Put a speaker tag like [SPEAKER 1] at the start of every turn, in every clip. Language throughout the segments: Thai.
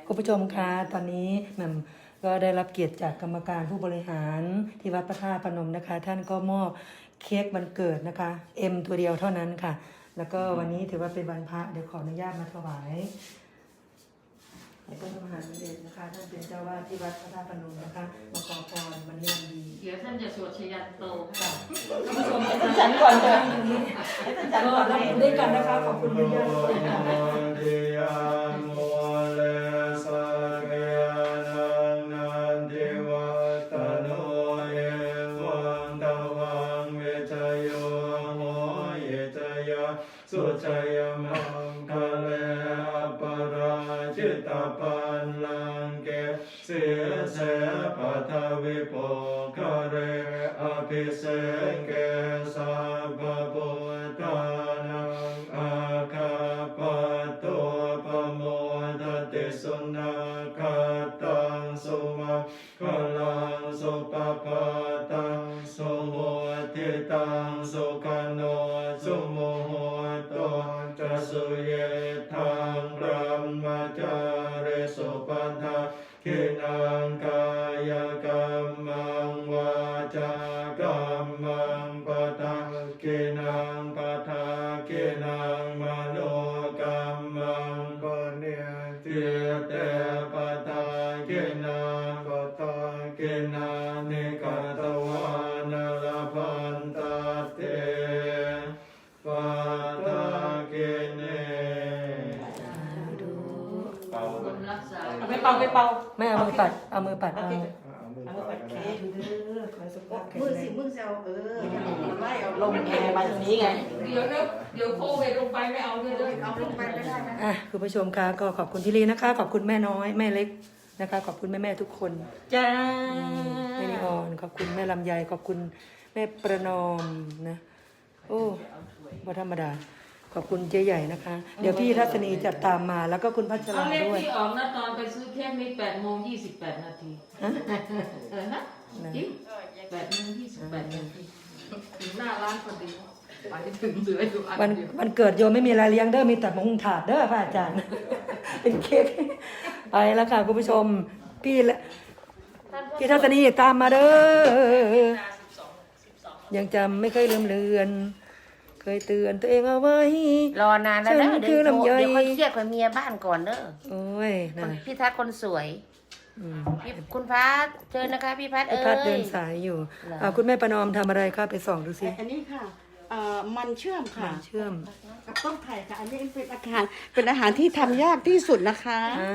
[SPEAKER 1] คุณผู้ชมคะตอนนี้แหม่มก็ได้รับเกียรติจากกรรมการผู้บริหารที่วัดพระธาตุพนมนะคะ ท่านก็มอบเค้กวันเกิดนะคะตัวเดียวเท่านั้นค่ะ แล้วก็วันนี้ถือว่าเป็นวันพระเดี๋ยวขออนุญาตมาถวายให้พระมหาสมเด็จนะคะท่านเป็นเจ้าวาดที่วัดพระธาตุพนมนะคะมาขอพรวันนี้วันดี
[SPEAKER 2] เดี๋ยวท่านจะสวดชยันโตค่ะ
[SPEAKER 1] ท่านผู้ชมให้ท่านฉันก่อนเลยให้ท่านฉันก่อนรับด้วยกันนะคะขอบคุณญาติๆทุกท่านค่ะ
[SPEAKER 3] สุชัยมังคะเลอปราชิตาปันลังเกเสียเสปัทวิโปคะเรอภิเษกเกสัพพพุทธานังอาคาปะตัวปโมทติสุนาคาตังสุมาคลังสุปปะตังสุโหติตังสุขโนสุโมโหจะสุเยทังพระมจาริสุปัฏฐาคินังกายกรรมังวาจากรรมังปะทาคินังปะทาคินังมโนกรรมังปะเนติเตปะทาคินังปะทาคินังนิกตวานลพันตเตปะทาคิเนเป่า
[SPEAKER 2] คนรักษา
[SPEAKER 4] เอาไปเป่าไปเป่า
[SPEAKER 1] ไม่เอามือปัดเอามือปัดเอา
[SPEAKER 3] เอามือปัดเค้ก
[SPEAKER 1] ขอสุขภาพแข็ง
[SPEAKER 4] มือ
[SPEAKER 1] แร
[SPEAKER 4] สิ
[SPEAKER 1] ง
[SPEAKER 4] มือเซลมันไล่เอาลงแอร์มาตรงนี้ไง
[SPEAKER 2] เดี๋ยวโควิดลงไปไม่เอาเลยเลย
[SPEAKER 4] เอาลงไปไม่ได้นะ
[SPEAKER 1] อ่ะคุณผู้ชมคะก็ขอบคุณที่รีนะคะ ขอบคุณแม่น้อยแม่เล็กนะคะ ขอบคุณแม่ทุกคน
[SPEAKER 4] จ้า
[SPEAKER 1] แม่นิออนขอบคุณแม่ลำไยขอบคุณแม่ประนอมนะโอ้บ่ธรรมดาขอบคุณเจ๊ใหญ่นะคะ เดี๋ยวพี่ทัศนีจะตามมาแล้วก็คุณพัช
[SPEAKER 2] เอา
[SPEAKER 1] รา
[SPEAKER 2] เลข
[SPEAKER 1] ด้วย
[SPEAKER 2] ที่ออกนะตอนไปซื้อเค้กนี่8:28 นาที
[SPEAKER 1] ฮะ
[SPEAKER 2] นะจริง8:28 นาทีถึงหน้าร้านพอดีไปถึงเหลืออยู่อัน
[SPEAKER 1] วัน
[SPEAKER 2] เดียว
[SPEAKER 1] วันเกิดโยมไม่มีอะไรเลี้ยงเด้อมีแต่มะฮุงถาดเด้อพระอาจารย์ เป็นเค้กไปแล้วค่ะคุณผู้ชมพี่และพี่ทัศนีตามมาเด้อยังจำไม่เคยลืมเลือน เคยเตือนตัวเองเอาไว้
[SPEAKER 5] รอนานแล้วเด้อ
[SPEAKER 1] ฉัน
[SPEAKER 5] เดี๋ยว
[SPEAKER 1] คือลำไย
[SPEAKER 5] ค่อยเครียดกับเมียบ้านก่อนเด้อ
[SPEAKER 1] โอ้ยนะ
[SPEAKER 5] พี่ทัศน์คนสวย
[SPEAKER 1] อืม
[SPEAKER 5] คุณพัดเชิญนะคะพี่พัด
[SPEAKER 1] พี่
[SPEAKER 5] เอ้ย
[SPEAKER 1] พัดเดินสายอยู่
[SPEAKER 5] เหรอ
[SPEAKER 1] คุณแม่ประนอมทำอะไรคะไปส่องดูสิ
[SPEAKER 4] อันนี้ค่ะมันเชื่อมค่ะ
[SPEAKER 1] เชื่อม
[SPEAKER 4] กับต้มไข่ค่ะ อันนี้เป็นอาหารที่ทำยากที่สุดนะคะ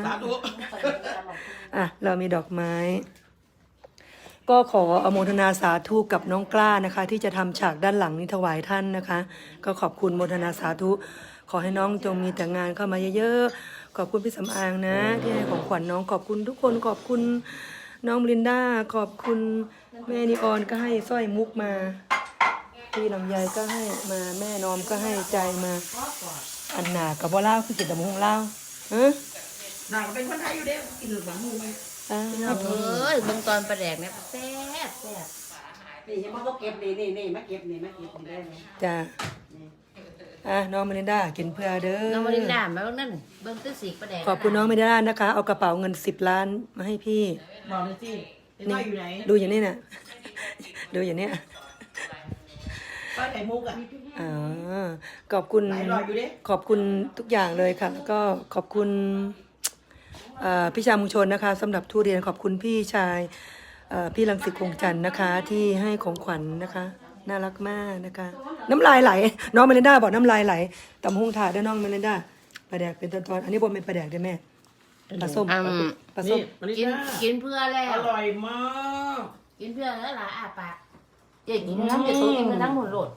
[SPEAKER 1] เรามีดอกไม้ ก็ขออโมทนาสาธุกับน้องกล้านะคะ ที่จะทำฉากด้านหลังนี้ถวายท่านนะคะ ก็ขอบคุณโมทนาสาธุ ขอให้น้องจงมีแต่งานเข้ามาเยอะๆขอบคุณพี่สำอางนะ ที่ให้ของขวัญน้องขอบคุณทุกคนขอบคุณน้องบลินดาขอบคุณแม่นิออนก็ให้สร้อยมุกมาพี่ลำไยก็ให้มาแม่นอมก็ให้ใจมาอันหนากับว่าเล่าคือกินแต่มะฮุงเล่าฮะ
[SPEAKER 4] หนังเป็นคนไทยอยู่เด้อกินหรือหนังมู
[SPEAKER 5] เอ้ยเบิ่งตอนประแดกเนี่ยแซ่บแซ่บ
[SPEAKER 4] นี่ยังมาเก็บนี่มาเก็บได้ไหม
[SPEAKER 1] จ้าน้องเมลินดากินเพื่อเด้อ
[SPEAKER 5] น้องมาริน่ามาเบิ่งนั่นเบิ่งตื้อสีประแดก
[SPEAKER 1] ขอบคุณน้องเมลินดานะคะ เอากระเป๋าเงิน10 ล้านมาให้พี่
[SPEAKER 4] บอกเลยสิป้าอยู่ไหน
[SPEAKER 1] ดูอย่างนี้น่ะ ดูอย่างเนี้ย
[SPEAKER 4] ป้าไหนมุกอ่ะ
[SPEAKER 1] อ๋อขอบคุณ
[SPEAKER 4] หลายรอยอยู่เด้
[SPEAKER 1] ขอบคุณทุกอย่างเลยค่ะ แล้วก็ขอบคุณพี่ชายมุงชนนะคะสำหรับทุเรียนขอบคุณพี่ชายพี่รังสิตคงจันทร์นะคะ ที่ให้ของขวัญนะคะ น่ารักมากนะคะ น้ำลายไหล น้องเมลินดาบอกน้ำลายไหลตำหุงถาดด้วยน้องเมลินดาปลาแดกเป็นตอนๆอันนี้บนเป็นปลาแดกด้วยแม่ปลาส้มปลาส้ม
[SPEAKER 5] กินเพื่อแล้ว
[SPEAKER 4] อร่อยมาก
[SPEAKER 5] กินเพื่อแล้วล่ะอาปากเจ๊กินน้ำเดี๋ยวตัวกินทั้งหมดโหลด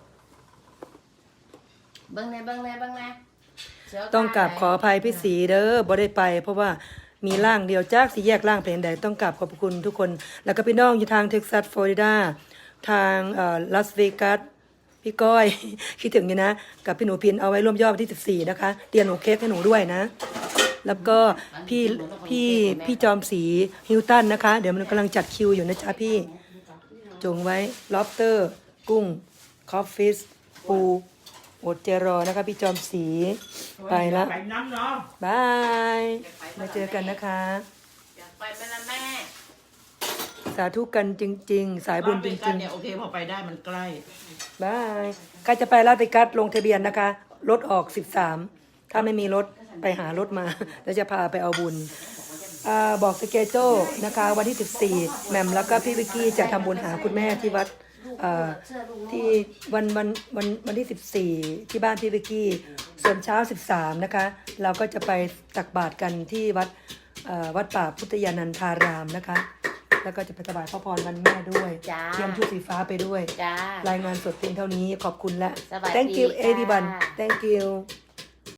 [SPEAKER 5] เบิ่งแน่
[SPEAKER 1] ต้องกราบขออภัยพี่สีเด้อบ่ได้ไป เพราะว่ามีร่างเดียวจากสี่แยกร่างเพลงใดต้องกราบขอบคุณทุกคน แล้วก็พี่น้องอยู่ทางเท็กซัสฟลอริดาทางลาสเวกัสพี่ก้อย คิดถึงอยู่นะ กับพี่หนูพินเอาไว้ร่วมยอดวันที่14นะคะเตรียมหนูเค้กให้หนูด้วยนะ แล้วก็พี่จอมสีฮิวตันนะคะ เดี๋ยวมันกำลังจัดคิวอยู่นะจ๊ะพี่จงไว้ล็อบสเตอร์กุ้งคอฟฟิสปูอดใจรอนะคะพี่จอมศรีไปแล้ว
[SPEAKER 2] ไปน้ำเนาะ
[SPEAKER 1] บายมาเจอกันนะคะ
[SPEAKER 5] อยากไปไหมล่ะแม่
[SPEAKER 1] สาธุกันจริง ๆ สายบุญจริง
[SPEAKER 2] เนี่ยโอเคพอไปได้มันใกล้
[SPEAKER 1] ๆบายใครจะไปลาดติกัสลงทะเบียนนะคะรถออก13ถ้าไม่มีรถไปหารถมา แล้วจะพาไปเอาบุญบอกสเกจโจนะคะวันที่14แหม่มแล้วก็พี่วิกกี้จะทำบุญหาคุณแม่ที่วัดที่วันที่14ที่บ้านพี่วิกกี้ส่วนเช้า13นะคะเราก็จะไปตักบาตรกันที่วัดป่าพุทธยานันทารามนะคะแล้วก็จะไปถวายพระพรวันแม่ด้วย
[SPEAKER 5] จ้า
[SPEAKER 1] เตรียมชุดสีฟ้าไปด้วย
[SPEAKER 5] จ้าร
[SPEAKER 1] ายงานสดเพียงเท่านี้ขอบคุณและ
[SPEAKER 5] สวัสดี
[SPEAKER 1] thank you
[SPEAKER 5] จ้า
[SPEAKER 1] everyone thank you